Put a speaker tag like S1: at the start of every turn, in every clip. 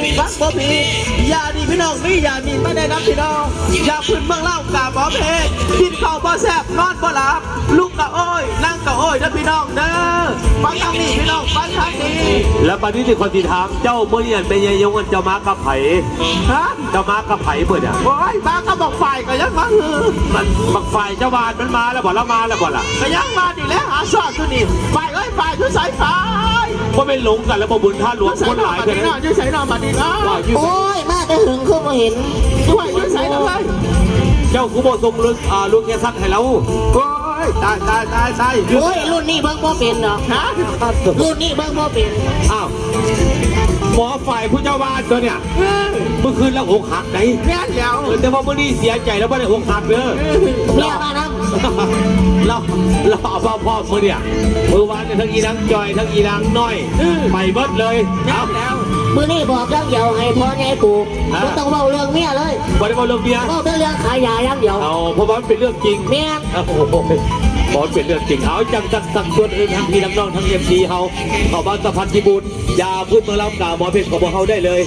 S1: ฟังบ่ผิดยาดีพี่น้องมียามีไม่ได้นับพี่น้องยาพื้นเมืองเล่ากาบหมอเพชรกินข้าวบ่แซ่บนอนบ่หลับลูกกะโอ้ยนั่งกะโอ้ยนะพี่น้องเด้อฟังทางนี้พี่น้องฟังทางนี้
S2: แล้วบัดนี้ที่คนที่ถามเจ้าเมื่อเรียนเป็นยังยงกันเจ้ามากับไผ่
S1: ฮะ
S2: เจ้ามากับไผ่เบิดอ่ะ
S1: โอ้ยมาก็บอกฝ่ายก็ยังมาคือ
S2: มันบักฝ่ายเจ้าวานมันมาแล้วบ่ละมาแล้วบ่ล่ะ
S1: ก็ยังมาดิแล้วหาซอดตัวนี้ฝ่ายเอ้ยฝ่ายคือสายฝ่าย
S2: ก็ไม่หลงกันแล้วบ่บุญท่าหลวงคนหลายเลย
S1: นะยืดใส่นอนมาดินะ
S3: โอ้ยมาแต่หึงคือบ่เห็น
S1: ด้วยยืดใส่ทำไม
S2: เจ้ากูบ่ทรงลูกแค่สักให้เรา
S1: โอ้ยตาย
S3: โอ้ยรุ่นนี้เบิ่งบ่เป็นดอก
S1: ฮะ
S3: รุ่นนี้เบิ่งบ่เป็น
S2: อ้าวหมอฝ่ายผู้เจ้าวานตัวเนี่ยเมื่อคืนแล้วอกหักไหน
S1: แม่เดียว
S2: แต่ว่าเมื่อนี้เสียใจแล้วไม่ได้อกหักเด้อ
S3: เมียมานั่ง
S2: เราเอาพ่อเมื่อเนี่ยเมื่อวานทั้งอีนางจอยทั้งอีนางน้อยไปเบิดเลย
S1: เอาแล้ว
S3: มื้อนี้บอกเรื่องเดียวให้พ่อใหญ่กูบ่ต้องเว้าเรื่องเมียเลย
S2: บ่ได้เว้าเรื่องเมีย
S3: เว้าแต่เรื่องขายยาอย่างเดียว
S2: เอาเพราะว่ามันเป็นเรื่องจริง
S3: แม่น
S2: โอ้โหบอลเป็นเรื่องจริงเอาจังสั่งส่วนอื่นทั้งพี่น้องทั้งเอฟซีเขาบ้านสะพานพิบูลยาพื้นเมืองลำกาหมอเพชรของพวกเขาได้เลย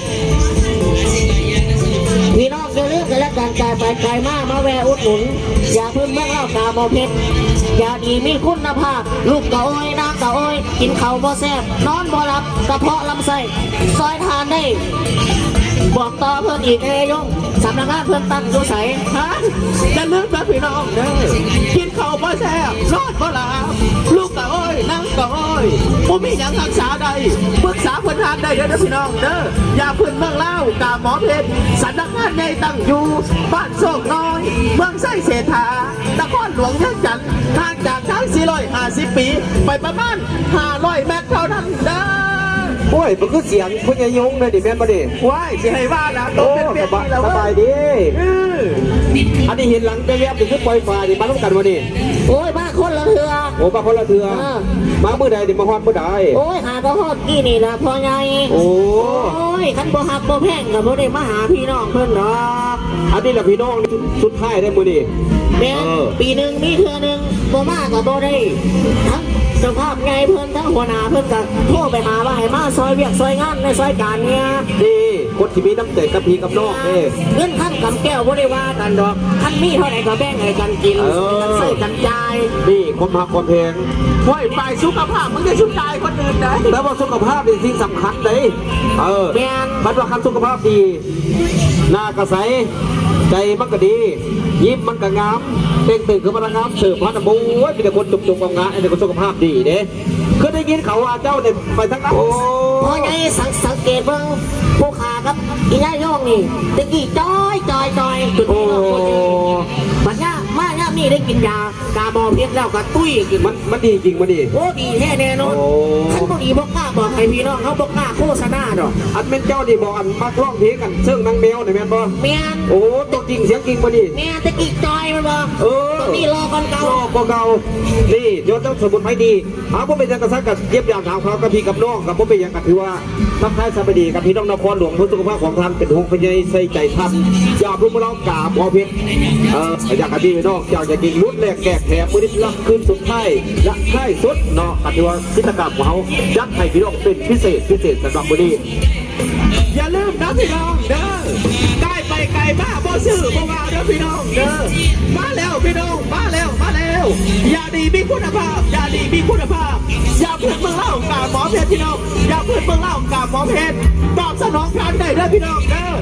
S3: พี่น้องจะเลือกกันและการจ่ายไปไกลมากมาแวะอุดหนุนยาพื้นเมืองเล่ากาหมอเพชรยาดีมีคุณภาพลูกกะโอยน้ำกะโอยกินข้าวบ่แซ่บนอนบ่หลับกระเพาะลำไส้ซอยทานได้บอกต่อเพื่อนอีกเอยงสำนักงานเพื่อนตั้งดูใส
S1: ฮะจะเลือกแบบพี่น้องเด้อกินข้าวบ่แซ่บรอดบ่หลับลูกกะโอ้ยนั่งกะโอ้ยผมมีอย่างรักษาใดปรึกษาเพื่อนทานได้เด้อพี่น้องเด้อยาพื้นเมืองเล่ากาหมอเพชรสำนักงานใหญ่ตั้งอยู่บ้านโศกน้อยเมืองไส้เศรษฐานครหลวงเมืองจันทร์ห่างจากทาง450 ปีไปประมาณ500 เมตรเท่านั้นเด้อ
S2: โอ้ยมันคือเสียงพญายงเลยดิแม่นบ่ดิ
S1: ว้ายสิให้ว่าแล้วโตเป็นเปียกนี่แล้ว
S2: สบายดีอันนี้เห็นหลังไปแวบถึงปล่อยฟ้าดิมาต้องกันบ่ดิ
S3: โอ้ยมาคนละเถื่อ
S2: โอ้มาคนละเถื่อมามื้อใดดิมาฮอดมื้อใด
S3: โอ้ยหาก็ฮอดกี่นี่ล่ะพ่อใหญ่โอ้ยคันบ่ฮักบ่แพงก็บ่ได้มาหาพี่น้องเพิ่นดอก
S2: อันนี้ล่ะพี่น้องสุดท้ายได้มื้อนี้
S3: แม่ปีนึงมีเทื่อนึงบ่มาก็บ่ได้ทั้งเจ้าภาพไงเพิ่นทั้งหัวหน้าเพิ่นก็โทรไปหาว่าให้มาซอยเวียกซอยงานในซอยการเนี่ย
S2: ดีคนที่มีน้ำใจกับพี่กับน้อง
S3: เงินขั้นกำแก้วบ่ได้ว่ากันดอกขั้นมีเท่าไหร่ก็แบ่งให้กันกินกันซื้อกันจ่าย
S2: นี่คนหักคนแพง
S1: ห้วยฝ่ายสุขภาพมึงจะชุดใจคนอื่นนะ
S2: แล้วว่าสุขภาพเป็นสิ่งสำคัญเลย
S3: แม่น
S2: บัดว่าคันสุขภาพดีหน้ากระใสใจมันก็ดียิ้มมันก็งามเต่งตึงคือมันงามเสิร์ฟพันธุ์บู๊มีแต่คนจุกๆงามๆไอ้แต่คนสุขภาพดีเด้เคยได้ยินเขาว่าเจ้าเนี่ยไปทั้งนั้น
S3: พอไงสังเกตเบิ่งผู้ขาครับอีย่าย่องนี่ตะกี้จอยจุดนี้บัดนี้มาเนี่ยมีได้กินยากาบอเพียงแล้วก็ตุ้ยกิน
S2: มันดีจริงมันดี
S3: โอ้ดีแน่นอนท่านพอดีบอกกล้าบอกให้พี่น้องเขาบอกกล้าโฆษณาดอก
S2: อันเป็นเจ้าดีบอกอันมาร้องเพลงกันซึ่งนางแมวเนี่ยแม่นบ่
S3: แม่น
S2: โอ้ตัวจริงเสียงจริงมาดิ
S3: แม่ตะกี้จอยมันบ่นี่รอก่อนเก่า
S2: เก่านี่ยอดเจ้าสมุนไพรดีผมเป็นยังกระซักกับเย็บยางถามเขากับพี่กับน้องกับผมเป็นยังกับถือว่าทักทายสวัสดีกับพี่น้องนครหลวงเพื่อสุขภาพของท่านเป็นห่วงพยายใส่ใจท่านอยากรู้มาเล่ากาบอเพชรอยากกับพี่น้องอยากจะกินรุ่นแรกแกะแถมมือที่รับคืนสุดท้ายและท้ายสุดเนาะกับที่ว่ากิจกรรมของเขายัดให้พี่น้องเป็นพิเศษสำหรับวันนี้
S1: อย่าลืมนะพี่น้องเด้อได้ไปไกลบ้าบ่ซื้อบ่ว่าเด้อพี่น้องเด้อมาแล้วพี่น้องมาแล้วอย่าดีมีคุณภาพอย่าดีมีคุณภาพอย่าเพื่อนเมืองเล่ากาหมอเพชรพี่น้องอย่าเพื่อนเมืองเล่ากาหมอเพชรตอบสนองการได้เด้อพี่น้องเด้อ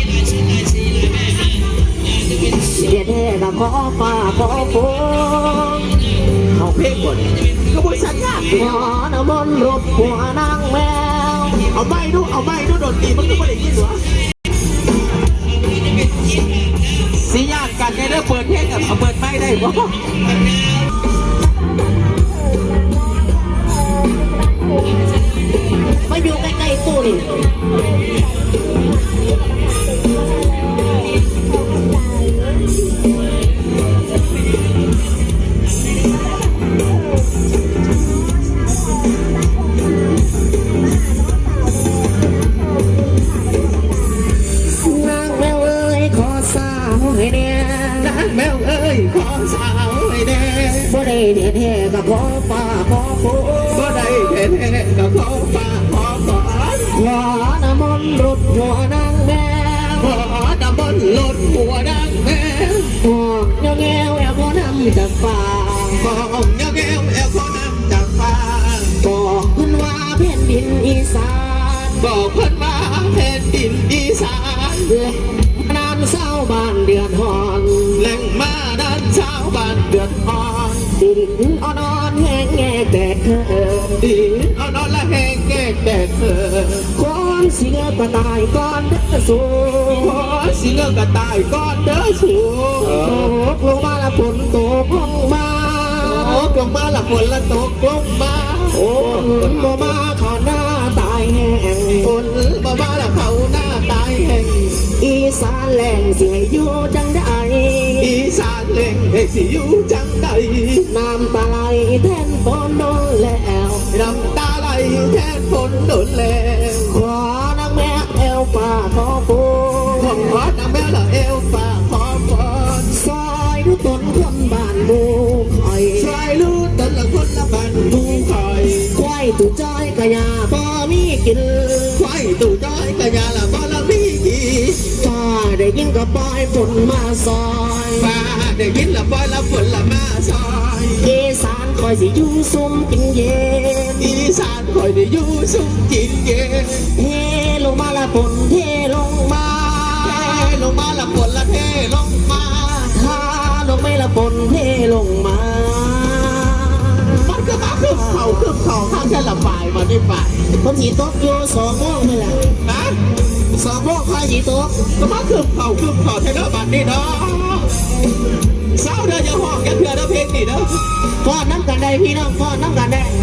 S3: เดี๋ยวแท้กับขอฟ้าขอฝน
S1: เอาเพลงก่อนกระบวนสัญญาณ
S3: ขอน้ำมนต์รบหัวนางแมว
S1: เอาไม่ดูโดนตีมันก็ไม่ได้ยินหรอสีญาติกันได้เปิดเพลงกับเปิดไม่ได้บ่
S3: มาอยู่ใกล้ๆตู้นี่บ่ได้แท้ๆกับขอฟ้าขอฝน
S1: บ่ได้แท้ๆกับขอฟ้าขอฝน
S3: ขอน้ำมนนรถหัวนางแมว
S1: ขอดับบนรถหัวดังแม่
S3: หอกเงี้ยวเงี้ยวแอลพอนำจากป่า
S1: ของเงี้ยวแก้วแอลขอนำจากฟ้า
S3: บอกเพิ่นว่าแผ่นดินอีสาน
S1: บอกเพิ่นมาแผ่นดินอีสาน
S3: และนานเศร้าบ้านเดือดหอน
S1: แหล่งมาด้านชาวบ้านเดือดร้อน
S3: ดินอ่อนๆแห้งแง่แตกเธอ
S1: ดินเอานอนละแห้งแก่แดดเธอ
S3: คนเสียก็ตายก่อนเด้อสู
S1: ขอสิเงกระต่ายก้อนเด้อสู
S3: ตกลงมาละฝนตกลงมา
S1: ตกลงมาละฝนละตกลงมา
S3: โอ้บ่มาขอหน้าตายแห้ง
S1: ฝนมาบ้าละเขาหน้าตายแห่ง
S3: อีสานแหล่งเสียอยู่จังได้
S1: อีสานเล่งเอกสิอยู่จังใด
S3: น้ำตาไหลแทนฝนโดนแล้ว
S1: น้ำตาไหลแทนฝนโดนแล้ว
S3: ขอนางแม่แอวป่าขอปู
S1: ขอน้ำแม่ละเอวฝากขอพร
S3: ซอยดูต้นคนบ้านบูคอย
S1: ช่วยรู้ตนละคนละบันดูคอย
S3: ควายตุจ้อยกะยาบ่มีกิน
S1: ควายตู่จ้อยกะยาละบ่ละพี่กี
S3: ฟ้าได้ยินก็ปล่อยฝนมาซอย
S1: ฟ้าได้ยินละบ่ละฝนละมาซอย
S3: อีสานคอยสิอยู่ซุ่มกินเย็น
S1: อีสานคอยได้อยู่สุขกินเย็น
S3: เทลงมาละฝนเทลงมา
S1: เทลงมาละฝนละเทลงมา
S3: ถ้าลงไม่ละฝนเทลงมา
S1: มันก็มาขึ้นเขาข้างแค่ละฝ่ายมาได้ฝ่าย
S3: ผมสีตกอยู่2 โมงนี่แหละ
S1: นะ
S3: 2 โมงคอยสีตก
S1: ก็มาขึ้นเขาแค่ละบัดนี่เนาะเศร้าเด้ออย่าห้องอย่าเถื่อเด้อเพลงนี่เด้อ
S3: ฟ้อนน้ำกันได้พี่น้องฟ้อนน้ำกันได้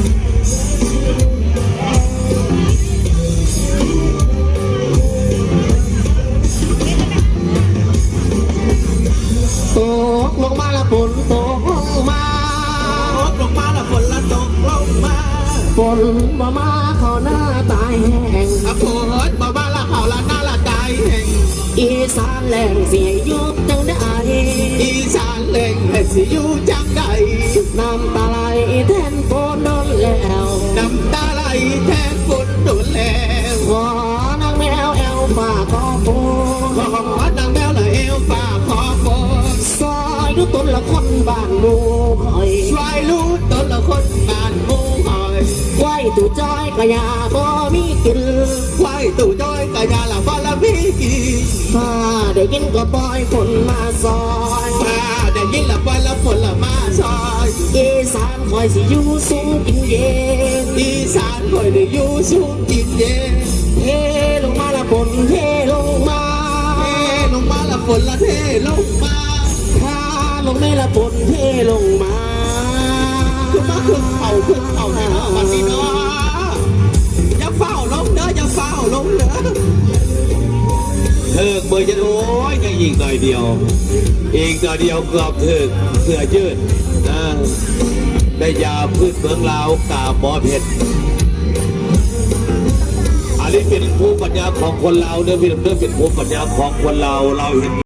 S3: ตกลงมาละฝนตกลงมา
S1: ตกลงมาละฝนละตกลงมา
S3: ฝนมามาขอหน้าตายแห้ง
S1: ฝนมาบ้าละเขาละหน้าละใจแห่ง
S3: อีสานแหล่งเสียยุบจังได้
S1: อีสานเล่งให้สิอยู่จังใด
S3: น้ำตาไหลแทนฝนโดนแล้ว
S1: น้ำตาไหลแทนฝนโดนแล้ว
S3: ขอนางแมวแอลฝ่าขอปู
S1: ขอนางแมวละเอวฝากขอฝน
S3: ซอยดูต้นละคนบ้านหมูคอย
S1: ช่วยรู้ตนละคนบ้านหมูหอย
S3: ไว้ตู่จ้อยกะยาบ่มีกิน
S1: ควายตู่จ้อยกะยาละบ้าละพี่กี
S3: ถ้าได้ยินก็ปล่อยฝนมาซอย
S1: มาได้ยินละบ้าละฝนละมาซอย
S3: อีสานคอยสิอยู่สูงกินเย็น
S1: อีสานคอยได้อยู่สูงกินเย็น
S3: เทลงมาละฝนเทลงมา
S1: เทลงมาละฝนละเทลงมา
S3: ถ้าลงไม่ละฝนเทลงมา
S1: ขึ้นมาขึ้นเขาในเนาะวันนี้เนาะอย่าเฝ้าลงเด้ออย่าเฝ้าลงเด้อ
S2: เถิกเบอร์จะโอ้ยยังอีกหน่อยเดียวอีกหน่อยเดียวเกือบถึกเสือยืดนะได้ยาพืชเมืองลาวกาบหมอเพชรอันนี้เป็นภูมิปัญญาของคนลาวเด้อพี่น้องเด้อเป็นภูมิปัญญาของคนลาวเราเห็น